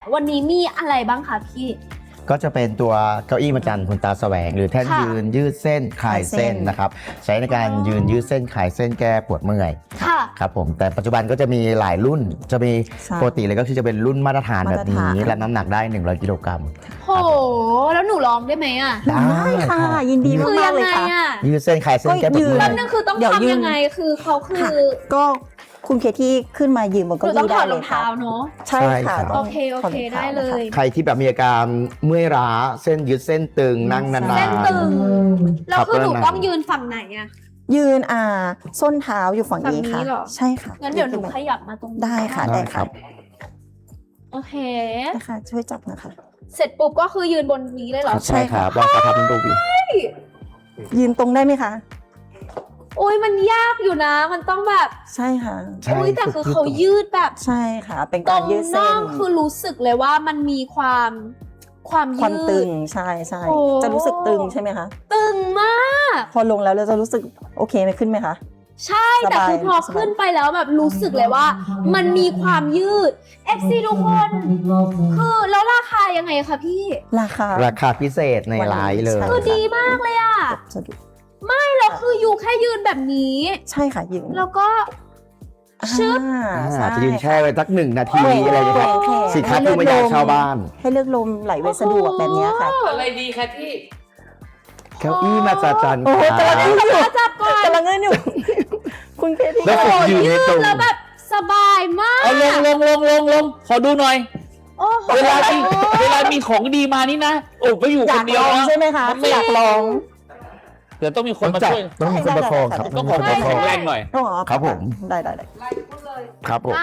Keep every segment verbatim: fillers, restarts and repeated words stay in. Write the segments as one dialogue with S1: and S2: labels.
S1: วันนี้มีอะไรบ้างคะพี่
S2: ก็จะเป็นตัวเก้าอี้มาจันคุณตาแสวงหรือแท่นยืนยืดเส้นคลายเส้นนะครับใช้ในการยืนยืดเส้นคลายเส้นแก้ปวดเมื่อยครับผมแต่ปัจจุบันก็จะมีหลายรุ่นจะมีปกติเลยก็คือจะเป็นรุ่นมาตรฐานแบบนี้และน้ำหนักได้หนึ่งร้อยกิโลกรัม
S1: โหแล้วหนูลองได้ไหมอ่ะ
S3: ได้ค่ะยินดีมากเลยค่ะ
S2: ยืดเส้นคลายเส้นแก้ปวดเมื่อย
S1: นั่นคือต้องทำยังไงคือเขาคือ
S3: ก็คุณเคที่ขึ้นมายืนบนเก้าอี้ได้เลยค่ะ
S1: เนาะ
S3: ใช่ค่ะ
S1: โอเคโอเคได้เลย
S2: ใครที่แบบมีอาการเมื่อยล้าเส้นยืดเส้นตึงนั่งนานๆ
S1: เส้นตึงแล้วคือหนูต้องยืนฝั่งไหนอ่ะ
S3: ยืนอ่าส้นเท้าอยู่ฝั่งนี้ค่ะใช่ค่ะ
S1: งั้นเดี๋ยวหนูขยับมาตรง
S3: ได้ค่ะได้ค่ะ
S1: โอเค
S3: นะคะช่วยจับนะคะ
S1: เสร็จปุ๊บก็คือยืนบนนี้เลยเหรอ
S2: ใช่ครับลองกระทำดูดิ
S3: ยืนตรงได้ไหมคะ
S1: โอ้ยมันยากอยู่นะมันต้องแบบ
S3: ใช่ค่ะ
S1: โอ้ยแต่คือเขายืดแบบ
S3: ใช่ค่ะเป็นการยืดเส้น
S1: คือรู้สึกเลยว่ามันมีความความยืด
S3: ความตึงใช่ใช่จะรู้สึกตึงใช่ไหมคะ
S1: ตึงมาก
S3: พอลงแล้วเราจะรู้สึกโอเคไหมขึ้นไหมคะ
S1: ใช่แต่คือพอขึ้นไปแล้วแบบรู้สึกเลยว่ามันมีความยืด เอฟ ซี ทุกคนคือแล้วราคายังไงคะพี่
S3: ราคา
S2: ราคาพิเศษในไลน์เลย
S1: คือดีมากเลยอ่ะไม่เราคืออยู่แค่ยืนแบบนี้
S3: ใช่ค่ะยืน
S1: แล้วก็ชึบ
S2: อาจจะยืนแช่ไว้สักหนึ่งนาทีอะไรอย่างเงี้ยสินค้าที่ไม่อยากชาวบ้าน
S3: ให้เลือกลมไหลเวียนสะดวกแบบนี้ค่ะ
S4: อะไรดีคะที่
S2: เก้าอี้มาจัน
S3: โอ้กำลังเงินอยู่กำลังเงินอยู่คุณเคที่
S2: แล้วฝึกยืนให้ตรง
S1: แล้วแบบสบายมาก
S4: เอาลงลงลงลงลงขอดูหน่อยเวลามีเวลามีของดีมานี่นะโอ้ไปอยู่คนเดียว
S3: ใช่ไหมคะไม่อยากลอง
S4: เดี๋ยวต้องมีคนมาช่วย
S2: ต้องมีคนประคองครับ
S4: ต้องขอแข็งแรงหน่อย
S2: ครับผม
S3: ได้ได้ได้
S2: ครับผม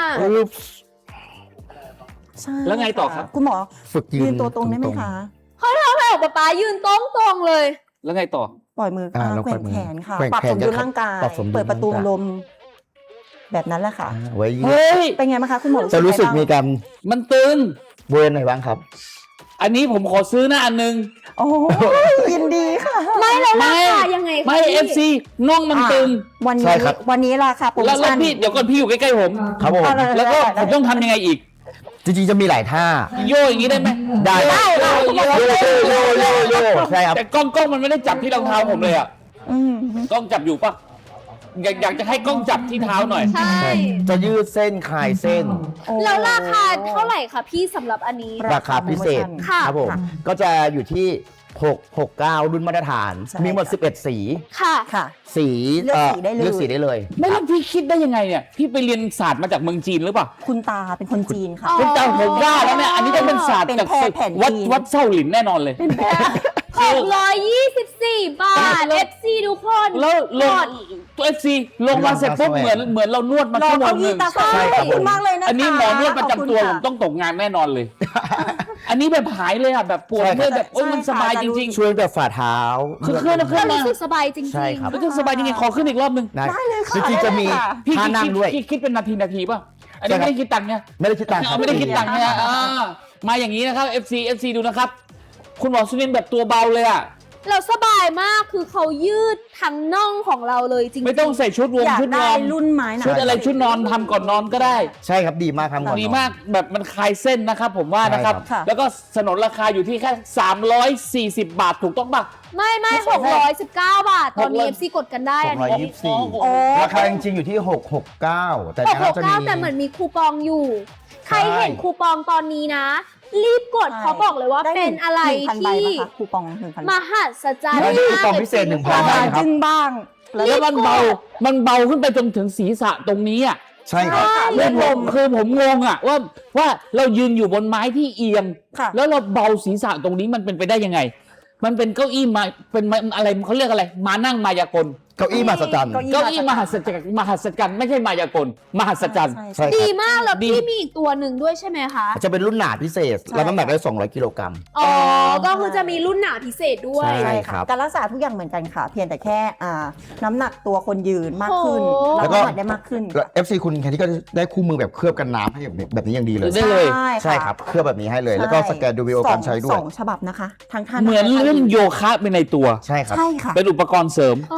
S4: แล้วไงต่อครับ
S3: คุณหมอฝึกยืนตัวตรงได้ไหมคะ
S1: เขาทำให้ออกป๊ายืนตรงตรงเลย
S4: แล้วไงต่อ
S3: ปล่อยมือแกว่งแขนค่ะปรับสมดุลร่างกายเปิดประตูลมแบบนั้นแหละค่ะ
S4: เฮ้ย
S3: เป็นไงบ้างคะคุณหมอ
S2: จะรู้สึกมีการ
S4: มันตึง
S2: เวิร์นไหนบ้างครับ
S4: อันนี้ผมขอซื้อนะอันนึง
S3: โอ้ยินดีค่ะ
S1: ไม่แล้วราคายังไง
S4: ไม่ เอฟ ซี น่องมันตึง
S3: วันนี้วันนี้ราคาโปรโมชั่น
S4: แล้วพี่เดี๋ยวก่อนพี่อยู่ใกล้ๆผม
S2: ครับผม
S4: แล้วก็ผมต้องทำยังไงอีก
S2: จริงๆจะมีหลายท่า
S4: โยอย่างนี้ได้ไหม
S2: ได้
S3: ได้
S2: โยโยโยโยโยใช่ครับ
S4: แต่กล้องกล้องมันไม่ได้จับที่รองเท้าผมเลยอ่ะกล้องจับอยู่ปะอยากอยากจะให้กล้องจับที่เท้าหน่อย
S1: ใช่
S2: จะยืดเส้นคลายเส้น
S1: แล้วราคาเท่าไหร่คะพี่สำหรับอันนี้
S2: ราคาพิเศษครับผมก็จะอยู่ที่หก หก เก้ารุ่นมาตรฐานมีหมดสิบเอ็ดสี
S1: ค่ะ
S3: ค่ะ
S2: สี
S3: เลือกสีได้เลย
S2: เลือกสีได้เลย
S4: ไม่แล้วพี่คิดได้ยังไงเนี่ยพี่ไปเรียนศาสตร์มาจากเมืองจีนหรือเปล่า
S3: คุณตาเป็นคนจีนค่ะ
S4: คุณตาผมว่าแล้วเนี่ยอันนี้ต้องเป็นศาสตร์จากวัดวัดเซาหลินแน่นอนเลย
S1: หกร้อยยี่สิบสี่บาท เอฟ ซี ทุกคน
S4: แล้วลงตัว เอฟ ซี ลงมาเสร็จปุ๊บเหมือนเหมือนเรานวดมาชั่วโมงนึง
S3: ใช่ขอบคุณมากเลยนะคะ
S4: อันนี้หมอนวดประจำตัวผมต้องตกงานแน่นอนเลยอันนี้แบบหายเลยอ่ะแบบปวดเมื่อยแบบโอ้ยมันสบายจริง
S2: ๆช่วยแต่ฝ่าเท้า
S4: คือเคลื่อนเคลื่อน
S1: รู้สึกสบายจริงๆ
S2: ใช่ครับ
S4: รู้สึกสบายจริงๆขอขึ้นอีกรอบนึง
S3: ได้เลยค่ะ
S2: จริงๆจะมีท่านั่งด้วย
S4: คิดเป็นนาทีนาทีป่ะอันนี้ไม่ได้คิดตังค์เนี่ย
S2: ไม่ได้คิดตังค์
S4: ไม่ได้คิดตังค์เนี่ยมาอย่างนี้นะครับ เอฟ ซี เอฟ ซี ดูนะครับคุณหมอสุนินแบบตัวเบาเลยอ่ะ
S1: เราสบายมากคือเขายืดทั้งน่องของเราเลยจริงๆ
S4: ไม่ต้องใส่ชุดวงชุดนอน
S3: รุ่นไม้
S4: ชุดอะไรชุดนอนทำก่อนนอนก็ได้
S2: ใช่ครับดีมากครับ
S4: ดีมากแบบมันคลายเส้นนะครับผมว่านะครับแล้วก็สนนราคาอยู่ที่แค่สามร้อยสี่สิบบาทถูกต้องป่ะ
S1: ไม่ไม่หกร้อยสิบเก้าบาทตอนนี้ เอฟ ซี กดกันได้อันนี้
S2: ราคาจริงๆอยู่ที่หก หก เก้าแต่
S1: หก หก เก้าแต่เหมือนมีคูปองอยู่ใครเห็นคูปองตอนนี้นะรีบกดเขาบอกเลยว่าเป็นอะไรที่
S3: คูปองหนึ่งพัน
S1: มหัศจรรย์
S2: คูปองพิเศษหนึ่งพัน
S3: จึงบ้าง
S4: แล้วมันเบามันเบาขึ้นไปจนถึงศีรษะตรงนี้อ่ะ
S2: ใช่ครับ
S4: เรื่องลมคือผมงงอ่ะว่าว่าเรายืนอยู่บนไม้ที่เอียงแล้วเราเบาศีรษะตรงนี้มันเป็นไปได้ยังไงมันเป็นเก้าอี้มาเป็นอะไรเขาเรียกอะไรมานั่งมายากล
S2: เก้าอี้มหัศจรรย์
S4: เก้าอี้มหัศจรรย์มหัศจรรย์ไม่ใช่มายากลมหัศจรรย์
S1: ดีมากแล้วพี่มีอีกตัวหนึ่งด้วยใช่ไหมคะ
S2: จะเป็นรุ่นหนาพิเศษแล้วน้ำหนักได้สองร้อยกิโลกรัม
S1: อ๋อก็คือจะมีรุ่นหนาพิเศษด้วย
S2: ใช่ครับ
S3: การรักษาทุกอย่างเหมือนกันค่ะเพียงแต่แค่อ่าน้ำหนักตัวคนยืนมากขึ้นแล้วก็ได้มากขึ้น
S2: เอฟ ซี คุณแค่ที่ก็ได้คู่มือแบบเคลือบกันน้ำให้แบบนี้อย่างดีเลย
S4: ได้เลย
S2: ใช่ครับเคลือบแบบนี้ให้เลยแล้วก็สแกนดูวิดีโอการใช้ด้วย
S3: สองฉบับนะคะทั้งท่าน
S4: เหมือนเล่นโยคะเป็นในตัว
S2: ใช่ครับ
S3: ใช่ค่ะ
S4: เป็นอุปกรณ์เสริม
S2: ใครที่นั่ง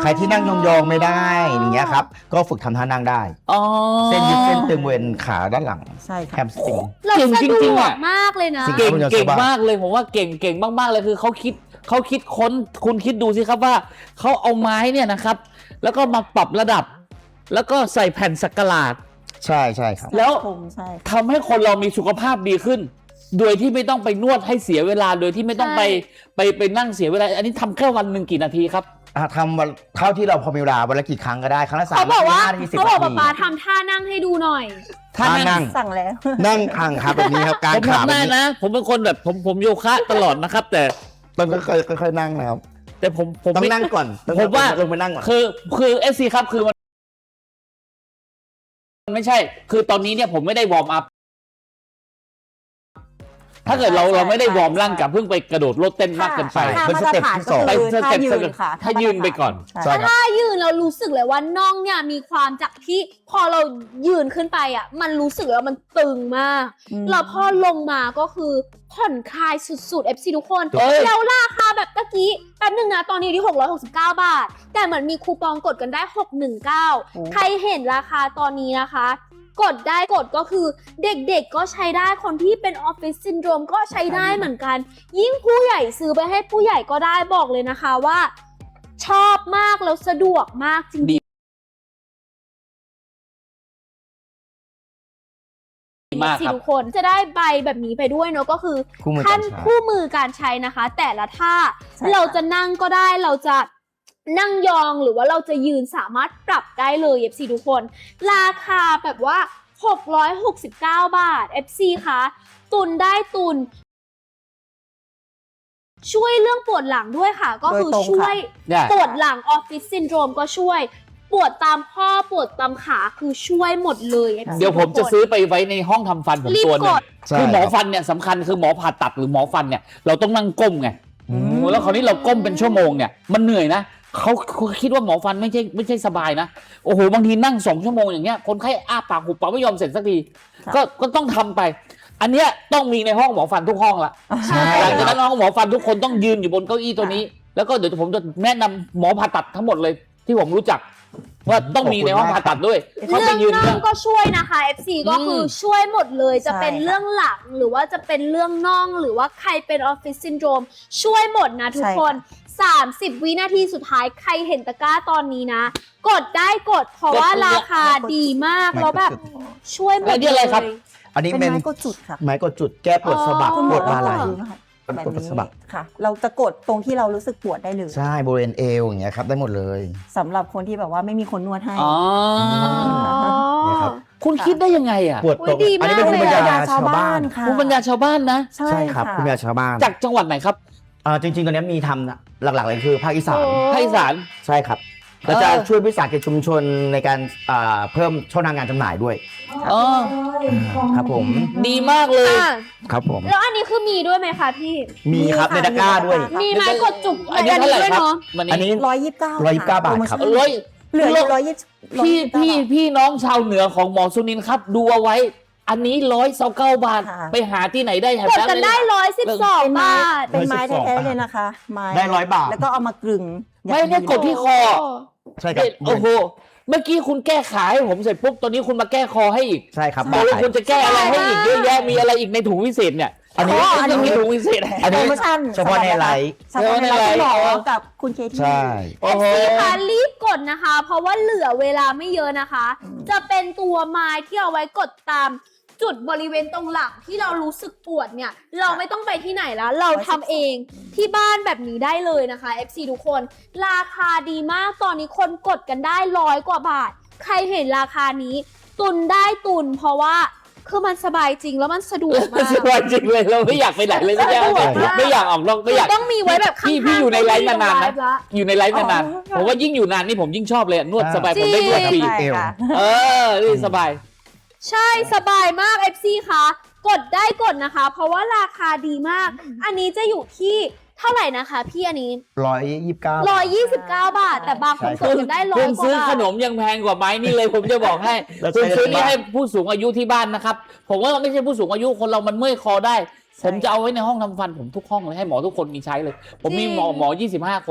S2: ยองๆไม่ได้อย่างเงี้ยครับก็ฝึกทำท่านั่งได้
S4: อ๋อ
S2: เส้นยืดเส้นตึงบริเวณขาด้านหลัง
S3: ใช่
S2: แฮ
S3: ค่ะ
S2: มสตริง
S1: เรา
S4: เก่ง
S1: สะ
S4: จ
S1: ด
S4: ริง
S1: ว
S4: ๆ
S1: ก
S4: อะ
S1: มากเลยนะ
S2: สิ่ง
S4: เก่ง
S2: คุณจะ
S4: เก่ง
S2: สบาย
S4: มากเลยผมว่าเก่งเก่งมากๆเลยคือเขาคิดเขาคิดค้นคุณคิดดูสิครับว่าเขาเอาไม้เนี่ยนะครับ แล้วก็มาปรับระดับ แล้วก็ใส่แผ่นสักหลาด
S2: ใช่ใช่ครับ
S4: แล้ว
S3: ผมใช่
S4: ทำให้คนเรามีสุขภาพดีขึ้น โดยที่ไม่ต้องไปนวดให้เสียเวลาโดยที่ไม่ต้องไป
S1: ใช่
S4: ไปไปนั่งเสียเวลา อันนี้ทำแค่วันหนึ่งกี่นาทีครับ
S2: อ่ะทำวันเท่าที่เราพอมีเวลาวันละกี่ครั้งก็ได้ครั้งละสาม
S1: เขาบอกว่า
S2: นาทีสิบ
S1: เขาบอก
S2: นา
S1: ป๊า
S2: ที
S1: ป๊าทำท่านั่งให้ดูหน่อย
S2: ท่านั่ง
S3: สั่งแล้ว
S2: นั่งทางครับแบบนี้ครับกา
S4: ผ
S2: ร
S4: ม
S2: ขา
S4: ทำ
S2: แบบ
S4: ได้
S2: นี้
S4: นะ ผมเป็นคนแบบผมผมโยคะตลอดนะครับ แต่
S2: ต้องค่อยๆค่อยๆนั่งนะครับ
S4: แต่ผมผม
S2: ต้อง
S4: ไม่
S2: นั่งก่อนต้อง
S4: ผมว่า
S2: ลงไปนั่งก่อน
S4: คือคือเอฟซีครับคือมันมันไม่ใช่ คือตอนนี้เนี่ยผมไม่ได้วอร์มอัพ ถ้าเกิดเรา
S3: ใช่
S4: เราไม่ได้
S3: ใช่
S4: วอร์มร่างกับเพิ่งไปกระโดดโลดเต้นมากเกินไป
S3: ท่า
S2: เป็น
S3: มา
S2: ส
S3: ตร
S2: เต็ป
S3: ฐาน
S2: ที่
S3: ก็
S2: สอง
S3: คือ
S4: ไปส
S3: ท่า
S4: เต็ป
S3: ยืนค่ะ
S4: ถ้ายืนไปก่อน
S3: ใช่
S2: ใช่ครับ
S1: ถ้ายืนเรารู้สึกเลยว่าน่องเนี่ยมีความจากที่พอเรายืนขึ้นไปอ่ะมันรู้สึกแล้วมันตึงมาก
S3: อืม
S1: แล้วพอลงมาก็คือผ่อนคลายสุดๆ เอฟ ซี ทุกคน
S4: เอ้ย
S1: แล้วราคาแบบตะกี้แป๊บนึงนะตอนนี้อยู่ที่หกร้อยหกสิบเก้าบาท แต่เหมือนมีคูปองกดกันได้หกหนึ่งเก้า
S3: โอ้
S1: ใครเห็นราคาตอนนี้นะคะ กดได้กดก็คือเด็กๆก็ใช้ได้คนที่เป็นออฟฟิศซินโดรมก็ใช้ได้เหมือนกัน ยิ่งผู้ใหญ่ซื้อไปให้ผู้ใหญ่ก็ได้บอกเลยนะคะว่า ชอบมากแล้วสะดวกมากจริงๆ
S4: ดีมาก
S1: สิ
S4: ครับ
S1: ทุกคนจะได้ใบแบบนี้ไปด้วยเนาะก็คือ
S2: คู่มือ
S1: ขั้
S2: กาน รใช้
S1: คู่มือการใช้นะคะ แต่ละท่า
S3: ใช่ค่ะ
S1: เราจะนั่งก็ได้เราจะนั่งยองหรือว่าเราจะยืนสามารถปรับได้เลย เอฟ ซี ทุกคน ราคาแบบว่าหกร้อยหกสิบเก้าบาท เอฟ ซี คะตุนได้ตุน ช่วยเรื่องปวดหลังด้วยค่ะ ก็คือ
S3: โดยตรงค่ะ
S1: ช่วย
S4: ได้
S1: ปวดหลังออฟฟิศซินโดรมก็ช่วย ปวดตามข้อปวดตามขาคือช่วยหมดเลย เอฟ ซี
S4: เดี๋ยวผมจะซื้อไปไว้ในห้องทำฟันผม
S1: รีบ
S4: ตัวหนึ
S1: ก
S4: ง
S1: ด
S2: ใช่
S4: คือหมอ
S2: ครับ
S4: ฟันเนี่ยสำคัญคือหมอผ่าตัดหรือหมอฟันเนี่ยเราต้องนั่งก้มไง
S2: อืม
S4: โอ้แล้วคราวนี้เราก้มเป็นชั่วโมงเนี่ยมันเหนื่อยนะเขาเขาคิดว่าหมอฟันไม่ใช่ไม่ใช่สบายนะโอ้โหบางทีนั่งสองชั่วโมงอย่างเงี้ยคนไข้อ้าปากหุบปากไม่ยอมเสร็จสักที
S3: ค่ะ
S4: ก็ก็ต้องทำไป อันเนี้ยต้องมีในห้องหมอฟันทุกห้องละ
S2: ใช่
S4: หลังจากนั้นห้องหมอฟันทุกคนต้องยืนอยู่บนเก้าอี้ตัวนี้ แล้วก็เดี๋ยวผมจะแนะนำหมอผ่าตัดทั้งหมดเลยที่ผมรู้จัก ว่าต้องมีในห้องผ่าตัดด้วยเขาไป
S1: เรื่อง
S4: ยืน
S1: น่
S4: เนี่
S1: อย งก็ช่วยนะคะ เอฟ ซี ก็คือช่วยหมดเลยจะ
S3: ใช่
S1: เป็นเรื่องหลังหรือว่าจะเป็นเรื่องน่องหรือว่าใครเป็นออฟฟิศซินโดรมช่วยหมดนะทุก
S3: ใช่
S1: คน สามสิบ วินาทีสุดท้ายใครเห็นตะกร้าตอนนี้นะ กดได้กดเพราะว่าราคาดีมากแล้วแบบช่วยหมด
S4: แล้วนี่
S1: เล
S4: อะไร
S1: ย
S4: ครับ
S2: อันนี้
S3: เป็น
S2: เป็น
S3: ไม้กดจุดค่ะ
S2: ไม้กดจุดแก้ปวดสะบัก
S1: อ๋อ
S2: ปวดมาไหล่
S3: ดูนะคะแบบ
S2: ปวด
S3: นี้
S2: สะบัก
S3: ค่ะ เราจะกดตรงที่เรารู้สึกปวดได้เลย
S2: ใช่บริเวณเอวอย่างเงี้ยครับได้หมดเลย
S3: สำหรับคนที่แบบว่าไม่มีคนนวดให้
S4: อ๋อ
S2: เนี่ยครับ
S4: คุณคิดได้ยังไงอ่ะ
S2: ปวดตรง
S1: อุ๊ยดี
S2: อันนี้เป็น
S1: มาก
S2: ภูมิ
S1: เลย
S2: ปัญ
S1: อะ
S2: ญาชาวบ้าน
S3: ค่ะ
S4: ภูมิปัญญาชาวบ้านนะ
S3: ใช่
S2: ใช่ครับ
S3: ค่ะ
S2: ภูมิปัญญาชาวบ้าน
S4: จากจังหวัดไหนครับ
S2: อ่าจริงๆตอนนี้มีทำนะหลักๆเลยคือภาคอีสาน
S1: โอ้
S4: ภาคอีสาน
S2: ใช่ครับเราจะช่วยวิสาหกิจชุมชนในการอ่าเพิ่มช่องทางการจำหน่ายด้วย
S4: อ๋อ
S2: ครับผม
S4: ดีมากเลย
S1: อ่ะ
S2: ครับผม
S1: แล้วอันนี้คือมีด้วยไหมคะพี่
S2: มีครับ
S3: มี
S2: ใน
S3: ค่ะ
S2: ตะกร้าด้วย
S3: ค่ะ
S1: มีไม้กดจุก
S4: อันนี้เท่าไหร่
S1: ด้วย
S4: ครับ
S1: เนาะ
S4: วัน
S2: อัน
S4: นี้
S2: นี้
S3: ร้อยยี่สิบเก้า
S2: ร้อยยี่สิบเก้าบาทครับ
S4: ร้อย
S3: เหลืออยู่ร้อยยี่สิบ
S4: พี่พี่พี่น้องชาวเหนือของหมอสุนินท์ครับ ดูเอาไว้ อันนี้ร้อยเก้าเก้าบาท ไปหาที่ไหนได้แถว
S1: กด
S4: นั้น
S1: กัน
S4: เลย
S1: ได้ร้อยสิบสอง
S3: เป็นไม้
S1: บาท
S3: เป็นไม้
S2: ร้อยสิบสอง
S3: แท้ๆเลยนะคะไม้
S2: ได้ร้อยบาท
S3: แล้วก็เอามากลึง
S4: ไม่เนี่ยกดที่คอ
S2: ใช่ครับ
S4: โอ้โห เมื่อกี้คุณแก้ขาให้ผมเสร็จปุ๊บ ตอนนี้คุณมาแก้คอให้อีก
S2: ใช่ครับ
S4: ตกลง
S2: ได้
S4: คุณจะแก้อะไรให้อีกเยอะแยะ มีอะไรอีกในถุงวิเศษเนี่ย
S2: อันนี้
S3: อันนี้
S4: มีถุงวิเศษ
S2: อัน
S3: โป
S2: นี้
S3: รโมชั่น
S2: เฉพาะในไลฟ์
S3: เฉพาะในไลฟ์
S4: เฉพาะในไลฟ์
S3: ที่หมอกับคุณเคที่
S2: ใช่
S4: โอ้โห
S1: เอฟซีคะรีบกดนะคะ เพราะว่าเหลือเวลาไม่เยอะนะคะ
S3: อืม
S1: จะเป็นตัวไม้ที่เอาไว้กดตามจุดบริเวณตรงหลังที่เรารู้สึกปวดเนี่ย เราไม่ต้องไปที่ไหนแล้ว เราทำเองที่บ้านแบบนี้ได้เลยนะคะ เอฟ ซี ทุกคน ราคาดีมากตอนนี้คนกดกันได้ร้อยกว่าบาท ใครเห็นราคานี้ ตุนได้ตุน เพราะว่าคือมันสบายจริงแล้วมันสะดวกมาก
S4: สบายจริงเลยเราไม่อยากไปไหนเลยไม่อยาก
S1: สะดวกมาก
S4: ไม่อยากออกนอกไม่อยาก
S1: ต้องมีไว้แบบข้าง
S4: พี่
S1: ๆ
S4: พี่อยู่ในไลฟ์นานๆนะ
S1: ไลฟ์ละ
S4: อยู่ในไลฟ์นาน
S3: อ๋อ
S4: ๆผมว่ายิ่งอยู่นานนี่ผมยิ่งชอบเลยอะนวดสบายผมได้นวดฟรี
S3: ใช่
S2: เอว
S3: ค่ะ
S4: เออนี่สบาย
S1: ใช่สบายมาก เอฟ ซี คะกดได้กดนะคะ เพราะว่าราคาดีมาก อันนี้จะอยู่ที่เท่าไหร่นะคะพี่อันนี้
S2: ร้อยยี่สิบเก้า
S1: ร้อยยี่สิบเก้าบาท แต่บางคนกดกันได้ร้อ
S4: คุ
S1: ย
S4: ณ
S1: กว่า
S4: ซื้อบ
S1: า
S4: ข
S1: ท
S4: นมยังแพงกว่าไม้นี่เลย ผมจะบอกให้
S2: แล้วใช้
S4: คุณซื้อ
S2: ใน
S4: นี่
S2: บ้าน
S4: ให้ผู้สูงอายุที่บ้านนะครับ ผมว่าไม่ใช่ผู้สูงอายุคนเรามันเมื่อยคอได้ ผมจะเอาไว้ในห้องทำฟันผมทุกห้องเลยให้หมอทุกคนมีใช้เลย ผมมีหมอหมอยี่สิบห้าคน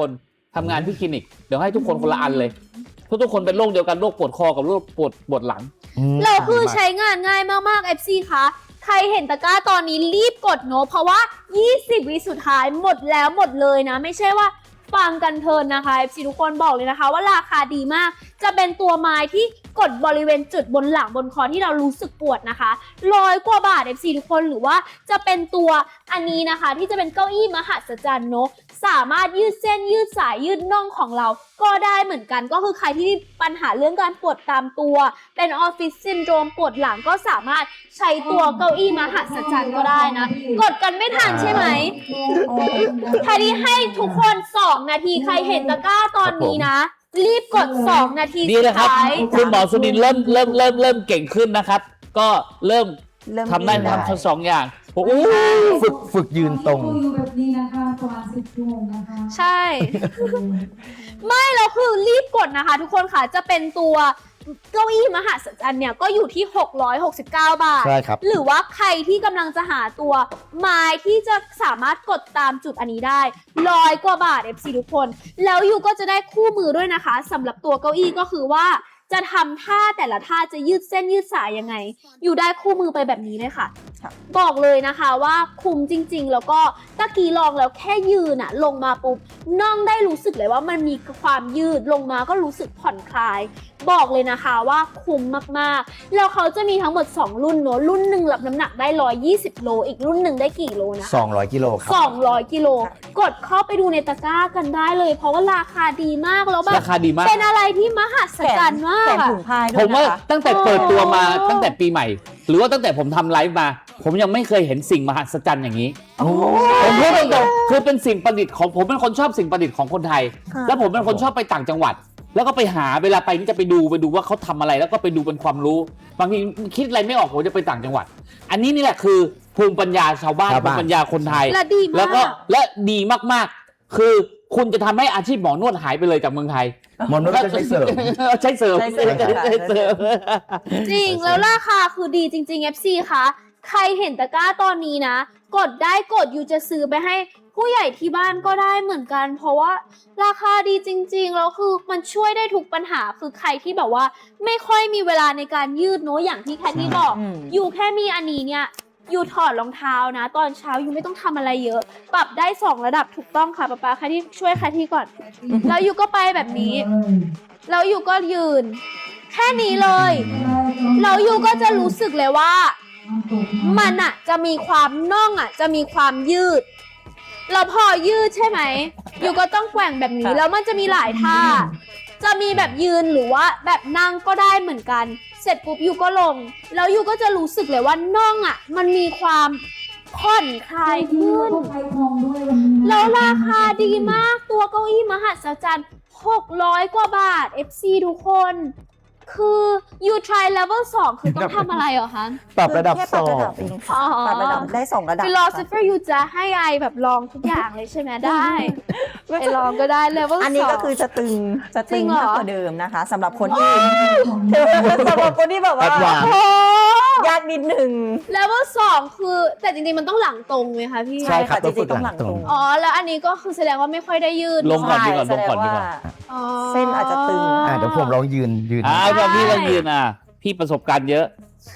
S4: ทำงานที่คลินิกเดี๋ยวให้ทุกคนคนละอันเลยเพราะทุกคนเป็นโรคเดียวกันโรคปวดคอกับโรคปวดปวดหลัง
S1: เราคือใช้งานง่ายมากๆ เอฟ ซี คะใครเห็นตะกร้าตอนนี้รีบกดเนอะเพราะว่ายี่สิบวิสุดท้ายหมดแล้วหมดเลยนะไม่ใช่ว่าฟังกันเพลินนะคะ เอฟ ซี ทุกคนบอกเลยนะคะว่าราคาดีมากจะเป็นตัวไม้ที่กดบริเวณจุดบนหลังบนคอที่เรารู้สึกปวดนะคะร้อยกว่าบาท เอฟ ซี ทุกคนหรือว่าจะเป็นตัวอันนี้นะคะที่จะเป็นเก้าอี้มหัศจรรย์เนอะสามารถยืดเส้นยืดสายยืดน่องของเราก็ได้เหมือนกันก็คือใครที่มีปัญหาเรื่องการปวดตามตัวเป็นออฟฟิศซินโดรมปวดหลังก็สามารถใช้ตัวเก้าอี้มหัศจรรย์ก็ได้นะกดกันไม่ทันใช่ไหมใครที่ให้ทุกคนสองนาทีใครเห็นตะกร้าตอนนี้นะรีบกดสองนาที
S4: ดี
S1: สุ
S4: เล
S1: ด
S4: ยครับ
S1: ท้าย
S4: คุณหมอสุนินท์เริ่มเริ่มเริ่มเริ่มเก่งขึ้นนะครับ ก็เริ่ม
S3: เริ่ม
S4: ทำได้
S3: ดี
S4: ทำทั้งสองอย่างโอ้โห
S2: ฝึกฝึกยืนตรง
S5: อยู่แบบนี้นะคะประมาณสิบชั่วโมงนะคะ
S1: ใช่ ไม่แล้วคือรีบกดนะคะทุกคนค่ะจะเป็นตัวเก้าอี้มหัศจรรย์เนี่ยก็อยู่ที่หกร้อยหกสิบเก้าบาท
S2: ใช่ครับ
S1: หรือว่าใครที่กำลังจะหาตัวไม้ที่จะสามารถกดตามจุดอันนี้ได้ร้อยกว่าบาท เอฟ ซี ทุกคนแล้วยูก็จะได้คู่มือด้วยนะคะสำหรับตัวเก้าอี้ก็คือว่าจะทำท่าแต่ละท่าจะยืดเส้นยืดสายยังไงอยู่ได้คู่มือไปแบบนี้เลยค่ะ
S3: ค่ะ
S1: บอกเลยนะคะว่าคุ้มจริงๆแล้วก็ตะกี้ลองแล้วแค่ยืนอะลงมาปุ๊บน่องได้รู้สึกเลยว่ามันมีความยืดลงมาก็รู้สึกผ่อนคลาย บอกเลยนะคะว่าคุ้มมากๆแล้วเขาจะมีทั้งหมดสองรุ่นเนอะรุ่นหนึ่งรับน้ำหนักได้หนึ่งร้อยยี่สิบโลอีกรุ่นหนึ่งได้กี่โลนะคะ
S2: สองร้อยกิโลครับ
S1: สองร้อยกิโลกดเข้าไปดูในตะกร้ากันได้เลย เพราะว่าราคาดีมากแล้วแบบ
S4: ราคาดีมาก
S1: เป็นอะไรที่มหัศจรรย์มาก
S3: แถม
S1: อะ
S3: ถุงพายด้
S4: ผ
S3: วย
S4: มว่า
S3: นะคะ
S4: ตั้งแต่เปิดตัวมา
S1: โอ้
S4: ตั้งแต่ปีใหม่ หรือว่าตั้งแต่ผมทำไลฟ์มา ผมยังไม่เคยเห็นสิ่งมหัศจรรย์อย่างนี้
S3: โอ้
S4: ผมพูดตรงๆคือเป็นสิ่งประดิษฐ์ของผมเป็นคนชอบสิ่งประดิษฐ์ของคนไทย
S3: ค่ะ
S4: แล้วผมเป็นคนชอบไปต่างจังหวัด แล้วก็ไปหาเวลาไปนี่จะไปดูไปดูว่าเขาทำอะไรแล้วก็ไปดูเป็นความรู้ บางทีคิดอะไรไม่ออกผมจะไปต่างจังหวัด อันนี้นี่แหละคือภูมิปัญญาชาวบ้าน
S2: ชาว
S4: ภู
S2: บ้าน
S4: มิปัญญาคนไทย
S1: และดีมาก
S4: แล้วก็และดีมากๆ คือคุณจะทำให้อาชีพหมอนวดหายไปเลยจากเมืองไทย
S2: หมอนวดก็ใช้เสริม
S4: ใช้เสริม
S3: ใช้เสริม
S4: ใช้เสริม
S1: จริงแล้วราคาคือดีจริงๆ เอฟ ซี คะใครเห็นตะกร้าตอนนี้นะ กดได้กดอยู่จะซื้อไปให้ผู้ใหญ่ที่บ้านก็ได้เหมือนกัน เพราะว่าราคาดีจริงๆแล้วคือมันช่วยได้ทุกปัญหาคือใครที่แบบว่าไม่ค่อยมีเวลาในการยืดเนอะอย่างที่แคทที่บอก
S3: อืม
S1: อยู่แค่มีอันนี้เนี่ยอยู่ถอดรองเท้านะ ตอนเช้าอยู่ไม่ต้องทำอะไรเยอะ ปรับได้สองระดับถูกต้องค่ะป๊าป๊าแคทที่ช่วยแคทที่ก่อน แล้วอยู่ก็ไปแบบนี้ แล้วอยู่ก็ยืน แค่นี้เลย แล้วยูก็จะรู้สึกเลยว่ามันอะจะมีความน่องอะจะมีความยืดแล้วพอยืดใช่ไหมยูก็ต้องแกว่งแบบนี้
S3: ค่ะ
S1: แล้วมันจะมีหลายท่า จะมีแบบยืนหรือว่าแบบนั่งก็ได้เหมือนกัน เสร็จปุ๊บยูก็ลง แล้วยูก็จะรู้สึกเลยว่าน่องอะมันมีความผ่อนคลายขึ้น แล้วราคาดีมากตัวเก้าอี้มหัศจรรย์หกร้อยกว่าบาท เอฟ ซี ทุกคน คือ you try level สองคือต้องทำอะไรเหรอคะ
S2: ปรับระดับ
S3: แค่
S2: ส
S3: ปรับ
S2: อ
S3: ระ
S2: ง
S3: ดับเองค่ะ
S1: อ๋อ
S3: ปรับระดับได้สองระดับ
S1: philosopher ยูจะให้ไอแบบลองทุกอย่างเลยใช่ไหมได้ ไปลองก็ได้ level สอง
S3: อันนี้ก็คือจะตึงจะ
S1: จริ
S3: ตึง
S1: งเหรอ
S3: มากกว่าเดิมนะคะสำหรับคนที่สำหรับคนที่แบบว่า
S2: แอดวานซ์
S1: โอ้
S3: ยากนิดหนึ่ง
S1: level สองคือแต่จริงๆมันต้องหลังตรงไหมคะพี่
S2: ใช่ครับ
S3: จริงๆต้องหลังตรง
S1: อ๋อแล้วอันนี้ก็คือแสดงว่าไม่ค่อยได้ยืด
S4: ลงก่อนดีกว่า
S3: ใช่
S4: ลงก่อนดีกว่า
S3: แสดง
S1: อ๋อ
S3: เส้นอาจจะตึง
S2: อ่าเดี๋ยวผมลองยืนยืน
S4: อ่าตอนพี่เรายืนอ่ะ พี่ประสบการณ์เยอะ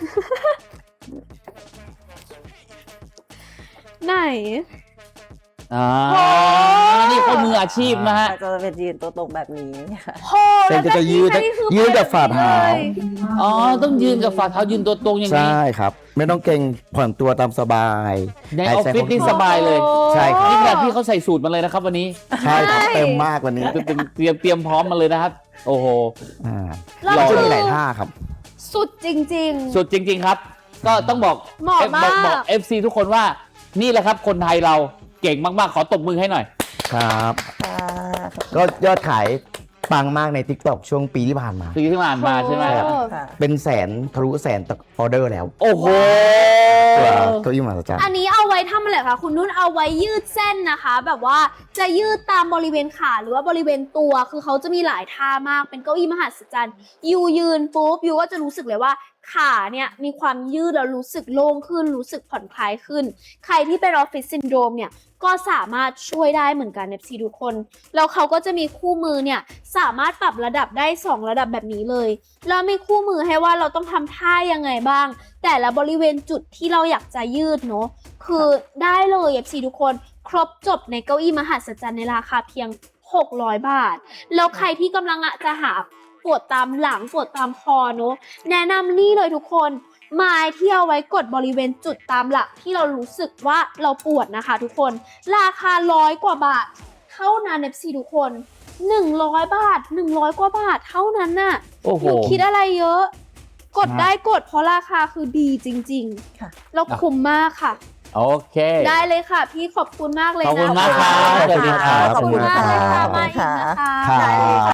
S1: ไหน
S4: อ่า
S1: โอ้
S4: นี่เขามืออาชีพนะฮะ
S3: จะเป็นยืนตัวตรงแบบนี้ค่ะ
S1: โห
S2: เส้นก็จะยืด
S1: แล้วนี่คือ
S2: ยืดกับฝ่าเท้า
S4: อ๋อ ต้องยืนกับฝ่าเท้ายืนตัวตรงอย่างนี้
S2: ใช่ครับ ไม่ต้องเกรงผ่อนตัวตามสบาย
S4: ในออฟฟิศนี่สบายเลย
S2: ใช่ครับ
S4: นี่ขนาดพี่เขาใส่สูตรมาเลยนะครับวันนี้
S2: ใช่ครับเต็มมากวันนี้
S4: เตรียมเตรียมเตรียมพร้อมมาเลยนะครับ โอ้โห
S2: อ่า
S1: แล้ว
S2: ก็จะ
S1: คือ
S2: มีหลายท่าครับ
S1: สุดจริงๆ
S4: สุดจริง ๆครับ ก็ต้องบอก
S1: เหมาะมาก
S4: บอกบอก เอฟ ซี ทุกคนว่านี่แหละครับคนไทยเราเก่งมากๆ ขอตบมือให้หน่อย
S2: ครับ
S3: ค่ะ
S2: ก็ยอดขายปังมากใน TikTok ช่วงปีที่ผ่านมา
S4: ปีที่ผ่านมาใช่ไหมครับ
S1: โอ้
S3: ค่ะ
S2: เป็นแสนทะลุแสนออเดอร์แล้ว
S4: โอ้โห
S2: ตัวเก้าอี้มหัศจรรย์
S1: อันนี้เอาไว้ทำอะไรคะคุณนุ่นเอาไว้ยืดเส้นนะคะ แบบว่าจะยืดตามบริเวณขาหรือว่าบริเวณตัวคือเขาจะมีหลายท่ามากเป็นเก้าอี้มหัศจรรย์ยูยืนปุ๊บยูก็จะรู้สึกเลยว่าขาเนี่ยมีความยืดแล้วรู้สึกโล่งขึ้นรู้สึกผ่อนคลายขึ้นใครที่เป็นออฟฟิศซินโดรมเนี่ยก็สามารถช่วยได้เหมือนกัน เอฟ ซี ทุกคนแล้วเขาก็จะมีคู่มือเนี่ยสามารถปรับระดับได้สองระดับแบบนี้เลยแล้วมีคู่มือให้ว่าเราต้องทำท่ายังไงบ้างแต่ละบริเวณจุดที่เราอยากจะยืดเนาะคือได้เลย เอฟ ซี ทุกคนครบจบในเก้าอี้มหัศจรรย์ในราคาเพียงหกร้อยบาทแล้วใครที่กำลังจะหาปวดตามหลังปวดตามคอเนาะแนะนำนี่เลยทุกคนไม้ที่เอาไว้กดบริเวณจุดตามหลักที่เรารู้สึกว่าเราปวดนะคะทุกคนราคาร้อยกว่าบาทเท่านั้น เอฟ ซี ทุกคนหนึ่งร้อยบาทหนึ่งร้อยกว่าบาทเท่านั้นน่ะ
S4: โอ้โห
S1: หนูคิดอะไรเยอะ กดได้กดเพราะราคาคือดีจริง
S3: ค่ะ
S1: ๆแล้วคุ้มมากค่ะ
S4: โอเค
S1: ได้เลยค่ะ พี่ขอบคุณมากเลยนะ
S4: ขอบคุณมากครับ
S1: ขอบคุณ
S2: สวัสดีครับ
S1: ขอบคุณมากเลยค่ะ
S3: ขอบคุณ
S1: มาอีก
S3: ค่ะ
S1: นะคะ
S2: ครับ
S1: ได้เลยค่ะ